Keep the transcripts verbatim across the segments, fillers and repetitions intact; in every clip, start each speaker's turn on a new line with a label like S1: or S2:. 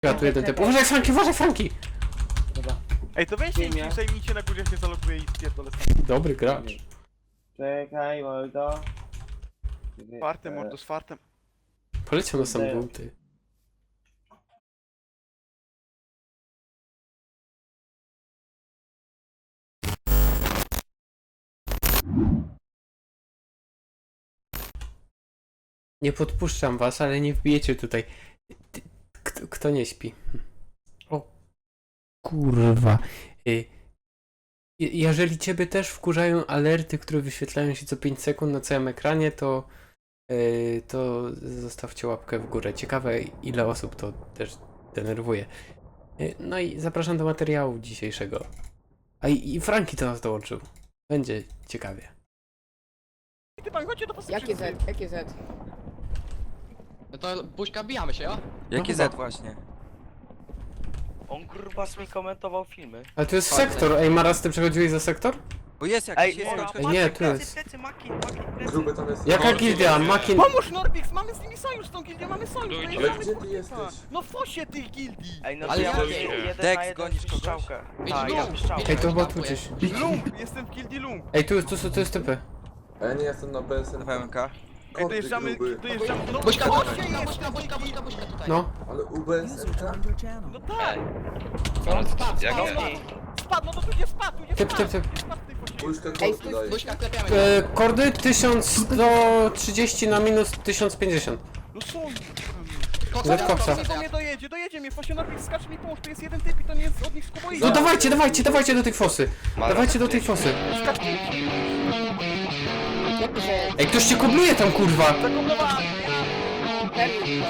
S1: Ja tu jeden typ. Uważaj Franki, uważaj Franki!
S2: Dobra.
S3: Ej, to weźcie
S2: Nie.
S3: i zajmijcie na górze, się zaloguję i spierdolę.
S1: Dobry gracz.
S2: Czekaj, mordo.
S3: Fartem, mordo, z fartem.
S1: Poleciał na sam dół, ty. Nie podpuszczam was, ale nie wbijecie tutaj. Ty- Kto, kto nie śpi? O kurwa. Y, je- Jeżeli ciebie też wkurzają alerty, które wyświetlają się co pięć sekund na całym ekranie, to y, to zostawcie łapkę w górę. Ciekawe, ile osób to też denerwuje. Y, No i zapraszam do materiału dzisiejszego. A i, i Franki do nas dołączył. Będzie ciekawie.
S3: Ty pan, chodźcie do was.
S4: Jakie Z? Jakie Z?
S5: No to buźka, bijamy się, jo?
S6: Jakie Z właśnie?
S7: On kurwa mi komentował filmy.
S1: Ale to jest sektor. Ej, Maras, ty przechodziłeś za sektor?
S6: Bo jest
S7: Ej,
S6: jakiś, jest
S7: Moro,
S6: jakiś.
S1: Ej, nie, tu
S7: plecy,
S1: jest.
S7: plecy, maki, maki, plecy.
S8: Gruby tam jest.
S1: Jaka gildia? Makin...
S3: Pomóż Norbix, mamy z nimi sojusz, z tą gildią mamy sojusz.
S8: Ale
S3: dojeżdżamy,
S8: gdzie ty
S3: kurwa.
S8: jesteś?
S3: No w fosie tych gildii.
S7: Ej, no
S5: Ale
S7: to ja
S5: jakie?
S7: mam jeden
S6: Dex,
S7: na jeden
S6: gonisz kogoś?
S7: strzałkę.
S5: Widzisz,
S7: Tak, ja
S5: lump,
S7: mam strzałkę.
S1: Ej, to chyba tu
S5: Kampuje.
S1: gdzieś.
S3: Lump, jestem w gildii Lump.
S1: Ej, tu, tu, tu, tu jest typy.
S8: A ja nie jestem na B S N.
S6: W M K.
S3: Ej, dojeżdżamy, dojeżdżamy. No
S5: Buźka,
S3: w
S5: buźka,
S3: fosie
S5: buźka,
S3: jest.
S5: buźka, buźka, buźka, buźka tutaj.
S1: No.
S8: Ale U B S N.
S3: No tak,
S5: Spadł, spadł,
S7: Jak
S5: spadł.
S3: spadł, no to tu nie spadł, tu nie
S1: Typ,
S3: spadł.
S1: typ, typ.
S3: Nie spadł w tej fosie.
S8: Puszkę
S4: Ej,
S8: kordy
S4: stój,
S8: daje.
S5: Buźka, klepiamy
S1: E,
S5: się.
S1: kordy tysiąc sto trzydzieści na minus tysiąc pięćdziesiąt.
S3: No są.
S5: Koksa,
S1: Z koksa.
S3: To mnie dojedzie, dojedzie mnie, w fosie Norbix, skacz mi pomóż, tu jest jeden typ i to nie jest od nich z kuboidy.
S1: No dawajcie, dawajcie, dawajcie do tej fosy. Dawajcie do tej fosy.
S4: Jakie Z?
S1: Ej, ktoś cię kobluje tam, kurwa.
S3: Zakoblowałem.
S4: Perły.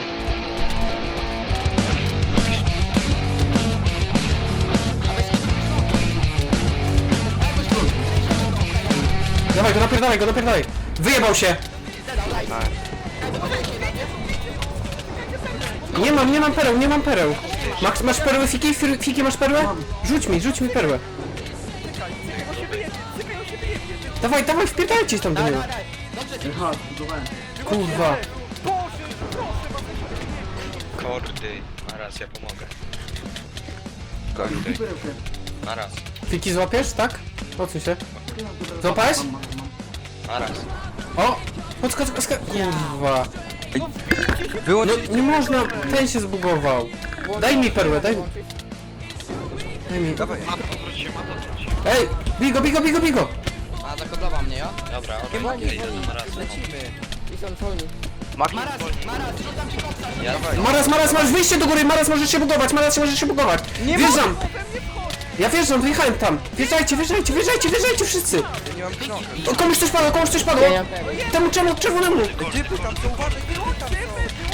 S1: Dawaj go, napierdalaj go, napierdalaj. Wyjebał się. Nie mam, nie mam pereł, nie mam pereł. Max, masz perłę, Fiki? Fir- Fiki, masz perłę? Rzuć mi, rzuć mi perłę. Dawaj, dawaj, wpierdajcie tam do
S5: Dawaj,
S1: niego.
S5: dawaj, dawaj. Dobrze,
S1: Kurwa.
S3: Boże, proszę was.
S9: Kordy, naraz ja pomogę.
S6: Kordy.
S9: Naraz,
S1: Fiki złapiesz, tak? Odsuń się. Złapałeś?
S9: naraz.
S1: O! Podskocz, podskocz. Kurwa.
S6: Wyłącz...
S1: No nie można, ten się zbugował. Daj mi perłę, daj mi. Daj mi.
S6: Dawaj.
S9: Odwróć się, odwróć się.
S1: Ej! Bigo, bigo, bigo, bigo!
S5: A, zakoblował mnie, jo?
S9: Dobra,
S4: Wolniej,
S9: okej, idę
S4: wolniej.
S9: do narazu.
S6: Lecimy.
S4: I są wolni.
S7: Maki,
S5: Maraz, maraz, rzucam ci koksa.
S9: Ja
S6: Dawaj.
S1: Maras, Maras, masz wyjście do góry, Maras możesz się bugować, Maras możesz się bugować. Wjeżdżam! Ja wjeżdżam, wyjechałem tam. Wjeżdżajcie, wjeżdżajcie, wjeżdżajcie, wjeżdżajcie wszyscy!
S6: Ja nie mam książek.
S1: O, komuś coś padło, komuś coś padło!
S4: Ja nie mam perły.
S1: Temu czemu, czerwonemu!
S6: Typy tam są, uważaj, typy tam są.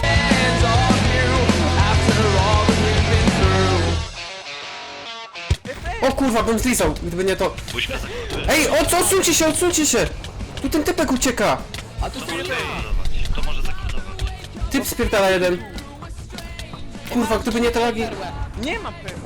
S1: O kurwa, bym zlizał, gdyby nie to.
S9: Buźka za
S1: Ej, o co, odsuńcie się, odsuńcie się! Tu ten typek ucieka!
S5: A tu są
S9: To może zakodować.
S1: Typ spierdala jeden. Kurwa, gdyby nie te lagi,
S3: Nie mam pewnie.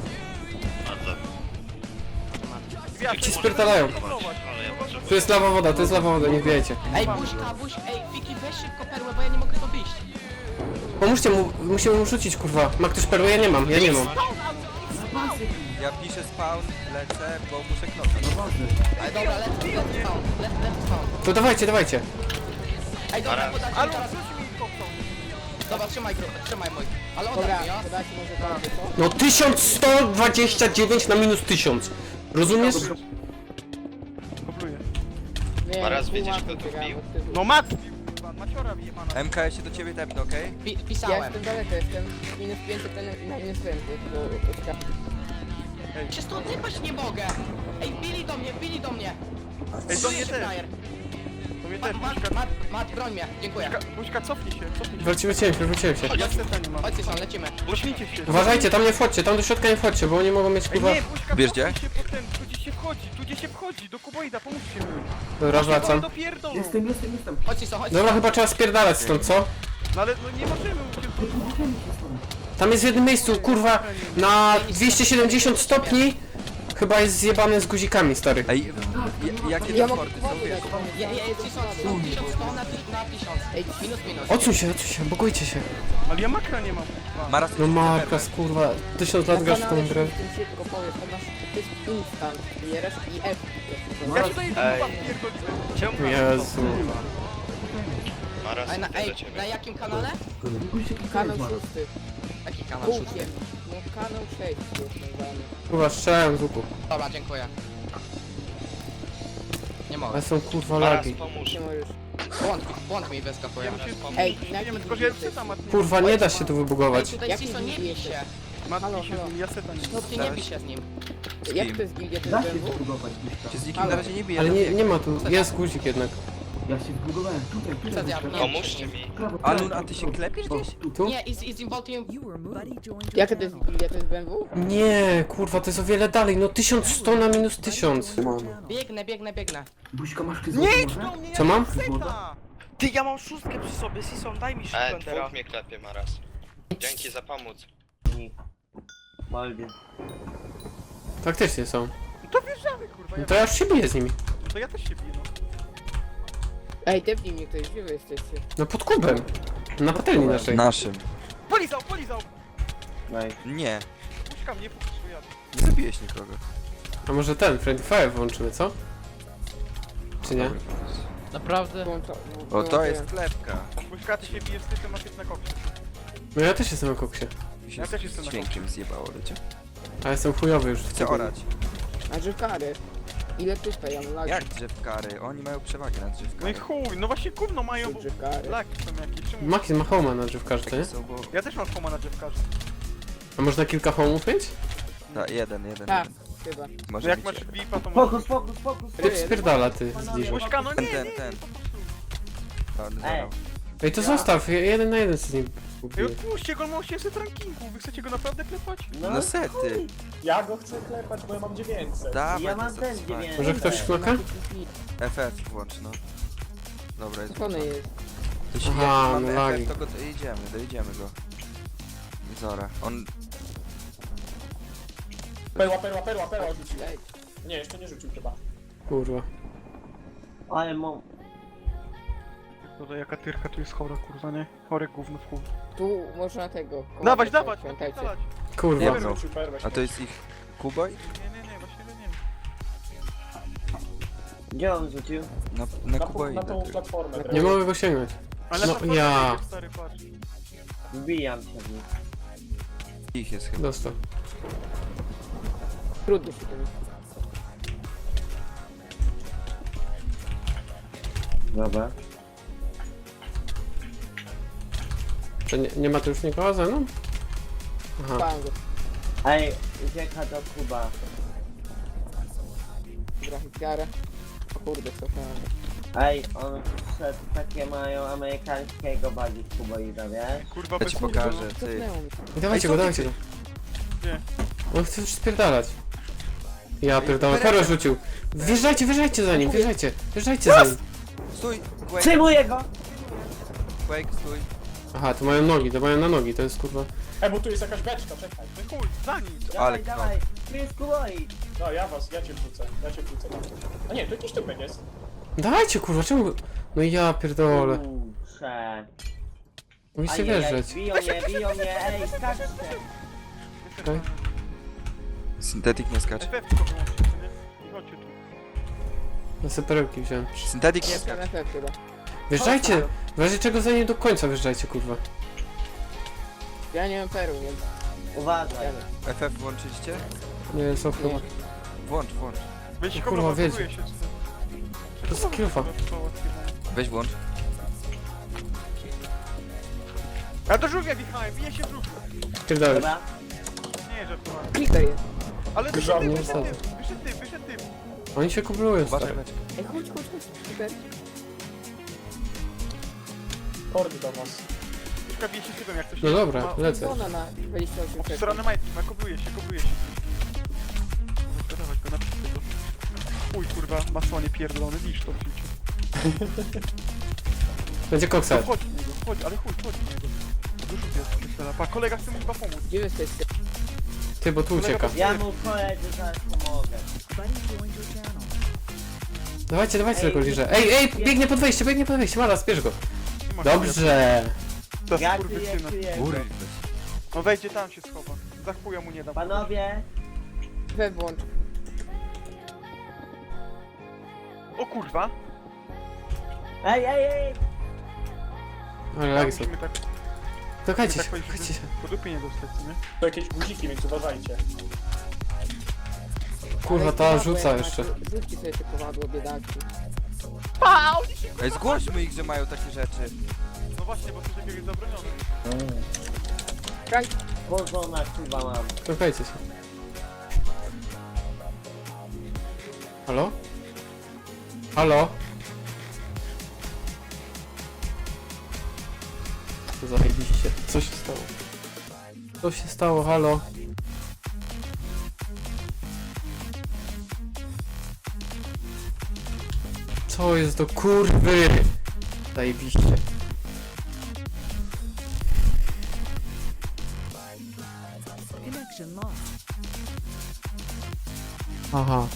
S1: ci spierdalają.
S9: Ale ja potrzebuję.
S1: Tu jest lawa woda, to jest lawa woda, nie wbijajcie.
S5: Ej, buźka, buźka, ej, Fiki, weź szybko perłę, bo ja nie mogę to wyjść.
S1: Pomóżcie mu, musimy mu rzucić, kurwa. Ma ktoś perłę? Ja nie mam, ja nie mam.
S6: Ja piszę spawn, lecę, bo muszę knoknąć.
S5: Ej, dobra, lecę, lecę spawn, lecę, lecę spawn.
S1: To dawajcie, dawajcie.
S5: Ej, dobra,
S9: Maraz.
S5: podajcie
S3: Ale
S5: teraz.
S3: rzuć mi koksa.
S5: Dobra, trzymaj grupę, trzymaj mój. Ale
S4: Dobra,
S5: oddaj mi, jo?
S4: podajcie może kordy, co?
S1: No tysiąc sto dwadzieścia dziewięć na minus tysiąc. Rozumiesz?
S3: Kopluję.
S4: Nie,
S9: Maraz,
S4: pół
S9: widzisz,
S4: mapy
S9: kto tu
S4: biegałem
S9: wbił?
S4: od tyłu.
S3: No mat! kurwa, Maciora wyjebana.
S6: M K, ja się do ciebie tepnę, okej?
S5: Pi
S4: Ja
S5: pisałem.
S4: jestem daleko, jestem minus pięćset na minus pięćset, bo uciekam.
S5: Się stąd sypać nie mogę. Ej, bili do mnie, bili do mnie.
S3: Ej, to mnie
S5: Czujesz,
S3: też.
S5: frajer.
S3: To mnie
S5: Mat,
S3: też,
S5: mat,
S3: Buźka.
S5: mat, mat, broń mnie, dziękuję.
S3: Buźka, Buźka, cofnij się, cofnij się.
S1: Wróciłem się, wróciłem się.
S3: Ja seta nie mam.
S5: Chodźcie stąd, lecimy.
S3: Cofnijcie się.
S1: Uważajcie, tam nie wchodźcie, tam do środka nie wchodźcie, bo oni mogą mieć
S3: Ej,
S1: kurwa...
S3: nie, Buźka,
S6: Wiesz
S3: cofnij
S6: gdzie?
S3: się potem, tu gdzie się wchodzi, tu gdzie się wchodzi, do kuboida, pomóżcie mi.
S1: Dobra, wracam.
S3: Dopierdolą.
S2: Jestem, jestem, jestem.
S5: Chodźcie stąd, chodźcie
S1: Dobra,
S5: stąd.
S1: chyba trzeba spierdalać stąd, co?
S3: No ale no nie możemy uciec.
S1: Tam jest w jednym miejscu, kurwa, na dwieście siedemdziesiąt stopni. chyba jest zjebany z guzikami, stary.
S6: Ej, ja- jakie
S4: Ja
S6: te
S4: mogę
S6: porty są,
S4: wody
S6: wiesz?
S4: dać.
S5: Ja, ja, ja, tysiąc sto, tysiąc sto na, ty, na tysiąc.
S4: Ej,
S5: Minus, minus.
S1: Odsuń się, odsuń się, bogujcie się.
S3: Ale ja makra nie mam. kurwa.
S6: Maras,
S1: No Markas, kurwa, tysiąc lat grasz w tą grę.
S4: tym szybko powiesz, to masz, to jest instant, bierzesz i F.
S3: Ja ci daję
S7: Ej.
S3: kurwa pierdolę.
S7: Czemu
S1: Jezu.
S9: Maras,
S5: Ej, na,
S9: idę
S5: ej,
S9: do ciebie.
S5: na jakim kanale?
S4: Kanał szósty.
S5: Jaki kanał?
S4: Kółkiem. No kanał sześć jest nazwany.
S1: Kurwa, strzelałem z łuku.
S5: Dobra, dziękuję. Nie mogę.
S1: Ale są kurwa
S9: Maras,
S1: lagi.
S9: pomóż.
S4: Nie możesz.
S5: Błąd, błąd mi wyskakuje.
S3: Ja się
S4: Ej,
S3: nie
S4: na
S3: wiem,
S4: jakim
S3: tylko że ja
S4: jesteś?
S3: seta matnie.
S1: Kurwa, nie da się tu
S5: Ej,
S1: wybugować.
S5: tutaj
S4: Jaki
S5: Ciso, nie bij
S4: jesteś?
S5: się.
S3: Matki
S4: Halo,
S3: się
S4: halo.
S3: z nim, ja seta nie.
S5: No ty nie bij się z nim.
S4: Jak to jest gildia, to jest B M W?
S6: się z nikim na razie nie bije.
S1: Ale
S6: ale
S1: nie,
S6: bieg.
S1: nie ma tu, jest guzik jednak.
S5: Przed ja, nie,
S9: Pomóżcie mi.
S6: Alun, a ty się klepiesz gdzieś?
S1: Tu?
S5: Nie, i z, i z Involtium...
S4: Jaka to jest gildia, to jest B M W?
S1: Nie, kurwa, to jest o wiele dalej. No tysiąc sto na minus tysiąc.
S5: Biegnę, biegnę, biegnę.
S3: Nie idź do mnie,
S1: Co
S3: ja
S1: mam?
S3: seta!
S7: Ty, ja mam szóstkę przy sobie, Sison, daj mi
S9: E,
S7: szóstkę
S9: dwóch mnie klepie, Maras. Dzięki za pomóc.
S2: Moldy.
S1: Faktycznie są.
S3: No to wjeżdżamy kurwa,
S1: No
S3: ja,
S1: to ja już się biję z nimi.
S3: to ja też się biję no.
S4: Ej, tepnij mnie ktoś, gdzie wy jesteście?
S1: No pod kubem. Na patelni naszej.
S6: Naszym.
S3: Polizał, polizał!
S2: Nice.
S6: Nie,
S3: Puszka mnie, puszka jadę.
S6: nie zabiłeś nikogo.
S1: A może ten, Friendly Fire włączymy, co? Czy nie?
S6: Dobry pomysł.
S5: Naprawdę?
S4: Włącza-
S6: O, to jest
S4: włączyłem.
S6: klepka.
S3: Puszka, ty się bijesz z typem, a ty na koksie.
S1: No ja też jestem na koksie.
S6: Mi się
S3: Ja też jestem
S6: z
S3: na
S6: dźwiękiem zjebało, wiecie?
S1: A jestem chujowy już w
S6: Chcę
S1: tym.
S6: orać.
S4: A drzewkary? Ile typa, ja mam lagi.
S6: Jak drzewkary? Oni mają przewagę nad
S3: No i
S6: drzewkami.
S3: chuj, no właśnie gówno mają, bo...
S4: Drzewkary.
S3: Laki są jakieś, czemu?
S1: Maki ma homa na drzewkarze, to nie?
S6: Takie są, bo...
S3: Ja też mam homa na dziewkarze.
S1: A można kilka homów mieć?
S6: Ta, jeden, jeden,
S4: Tak,
S6: jeden.
S4: chyba.
S3: No
S6: Może
S3: jak
S6: być
S3: masz
S6: jeden.
S3: V I P a to możesz...
S2: Fokus, fokus, fokus.
S1: Typ spierdala, ty zbliżę.
S3: Puszka, no
S6: Ten,
S3: nie,
S6: ten,
S3: nie,
S6: ten.
S3: po prostu.
S6: No,
S2: Ej.
S6: zabrał.
S1: Ej, to zostaw, ja- jeden na jeden z nim
S3: Ej,
S1: ubiję.
S3: odpuśćcie go, ma osiemset rankingu, wy chcecie go naprawdę klepać?
S6: No sety.
S10: Ja go chcę klepać, bo ja mam dziewięćset.
S6: Dawaj,
S2: Ja
S6: to
S2: mam też
S6: satysfakcja.
S2: dziewięć.
S1: Może ktoś knoka?
S6: F F włącz, no. Dobra, jest
S4: Skąd
S6: włączony.
S4: jest?
S6: To się,
S1: Aha,
S6: jak mamy
S1: no lagi.
S6: F F, to go dojedziemy, dojedziemy go. Zora. On...
S10: Perła, perła, perła, perła rzucił.
S4: Ej,
S10: Nie, jeszcze nie rzucił chyba.
S1: Kurwa.
S2: Ale mam...
S3: Dobra, jaka tyrka tu jest chora, kurwa, nie? Chore gówno w chuj.
S4: tu można tego.
S3: Dawać,
S4: komentarz,
S3: dawać,
S4: pamiętajcie.
S3: dawać.
S1: Kurwa.
S6: Nie
S10: Nie
S6: no.
S10: rzucił perłę.
S6: A to jest ich kuboj?
S3: Nie, nie, nie, właśnie nie wiem.
S2: Gdzie on rzucił?
S6: Na, na
S10: Na,
S6: kuboi.
S10: na tą
S6: na tym.
S10: platformę.
S1: Nie mogę go sięgnąć.
S3: Ale
S1: No,
S3: na platformie
S1: ja.
S3: jedziesz, stary, patrz.
S2: Wbijam się w nich.
S6: Ich jest chyba.
S1: Dostał.
S4: Trudno się tym.
S2: Dobra.
S1: To nie, nie ma tu już nikogo ze mną? Aha.
S4: Bałem go.
S2: Ej, ucieka do Kuba.
S4: Dobra, wiarę. O kurde, cofnąłem.
S2: Ej, on wszedł, takie mają amerykańskiego bardziej kuboida, wiesz?
S3: Kurwa,
S6: Ja
S3: bez
S6: ci
S3: kurwa.
S6: pokażę, ty.
S4: Cofnęło mi.
S1: I dawajcie
S6: Ej,
S1: go,
S6: co
S1: dawajcie
S6: ty-
S1: go.
S3: Gdzie?
S1: On chce już spierdalać. Ja
S6: Ej,
S1: pierdolę,
S6: Perez-
S1: Pero rzucił. Wjeżdżajcie, wjeżdżajcie za nim, wjeżdżajcie. Wjeżdżajcie za nim.
S6: Stój! Quake,
S2: Przyjmuję go!
S6: Quake, stój.
S1: Aha, to mają nogi, to mają na nogi, to jest kurwa.
S10: Ej, bo tu jest jakaś beczka, czekaj.
S3: No chuj, za nim.
S6: Ale
S2: Dawaj,
S6: knop.
S2: dawaj! Tu jest kuboid!
S10: No, ja was, ja cię wrzucę. Ja cię wrzucę tam. A nie, to jakiś typek jest.
S1: Dawajcie kurwa, czemu... No ja pierdolę.
S2: Kurczę.
S1: Musicie
S2: Ajajaj,
S1: wjeżdżać.
S2: biją mnie, biją mnie, ej, skaczcie!
S1: Okej.
S6: Syntetik nie skacz.
S3: F F tylko wyłączcie, nie? I chodźcie tu.
S1: Ja sobie perełki wziąłem.
S6: Syntetik nie
S4: Nie,
S6: skacz.
S4: M F F chyba.
S1: Wjeżdżajcie! W razie czego za nim do końca wjeżdżajcie kurwa.
S4: Ja nie mam perł, więc
S2: Uważaj.
S4: jadę.
S6: F F włączyliście?
S1: Nie, jest okno.
S4: Nie.
S6: Włącz, włącz.
S3: Weź
S1: No
S3: kogo
S1: kurwa,
S3: blokuje
S1: wiecie.
S3: się, czy co?
S1: To jest kilfa.
S6: Weź włącz.
S3: Ja do żółwia wjechałem, bije się w żółwia.
S1: Pierdolę.
S2: Dobra?
S3: Nie, żartowałem.
S4: Creeper jest.
S3: Ale wyszedł
S10: Żadny
S3: typ,
S1: nie
S3: wyszedł
S1: wsadzę.
S3: typ, wyszedł typ, wyszedł typ.
S1: Oni się kublują,
S6: Uważaj,
S1: stary.
S6: beczka.
S4: Ej, chodź, chodź, chodź. Creeper.
S10: Kordy do was.
S3: Puszka bije się z typem, jak coś
S1: No
S3: nie-
S1: dobra,
S3: ma-
S1: lecę.
S4: Ona na dwadzieścia osiem sekund.
S3: Obsrane majtki, ma, kobluje się, kobluje się. Dobra, dawać go, napiszcie go. Uj, kurwa, masonie pierdolony, widzisz to w życiu.
S1: Będzie
S3: No
S1: koksa.
S3: chodź w niego, chodź, ale chuj, chodź w niego. Dużo jest, pierdolę. Pa, kolega chce mu chyba pomóc.
S4: Gdzie wy jesteście?
S1: Ty, bo tu ucieka.
S2: Ja mu koledzy zaraz pomogę.
S1: Dawajcie, dawajcie
S2: Ej,
S1: tego liże. Ej, ej, biegnie pod wejście, biegnie pod wejście, Mara, zbierz go.
S3: Nie ma
S1: Dobrze.
S3: Ta
S2: Ja
S3: skurwysyna.
S2: kryję, kryję.
S6: Kurwa.
S3: No wejdzie tam się schowa. Za chuja mu nie dam.
S2: Panowie,
S4: Wewnątrz.
S3: O kurwa!
S2: ej, ej, ej!
S1: Ale
S3: Ja
S1: lagi są.
S3: musimy tak,
S1: Czekajcie
S3: tak
S1: się,
S3: powiedzieć,
S1: czekajcie się.
S3: żeby po dupie nie dostać, co nie?
S10: To jakieś guziki, więc uważajcie.
S1: Kurwa,
S4: Ale
S1: ta
S4: kowadło
S1: rzuca
S4: jak
S1: jeszcze.
S4: macie, Rzućcie sobie te kowadło, biedaki.
S6: Ej, zgłośmy ich, że mają takie rzeczy.
S3: No właśnie, bo coś takiego jest zabronione.
S4: Frank,
S2: Bożona chyba mam.
S1: Czekajcie się. Halo? Halo? Zajebiście. Co się stało? Co się stało? Halo? Co jest do kurwy? Zajebiście. Aha.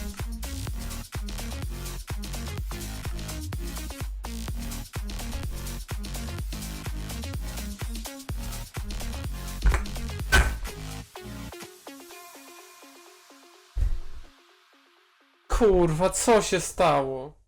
S1: Kurwa, co się stało?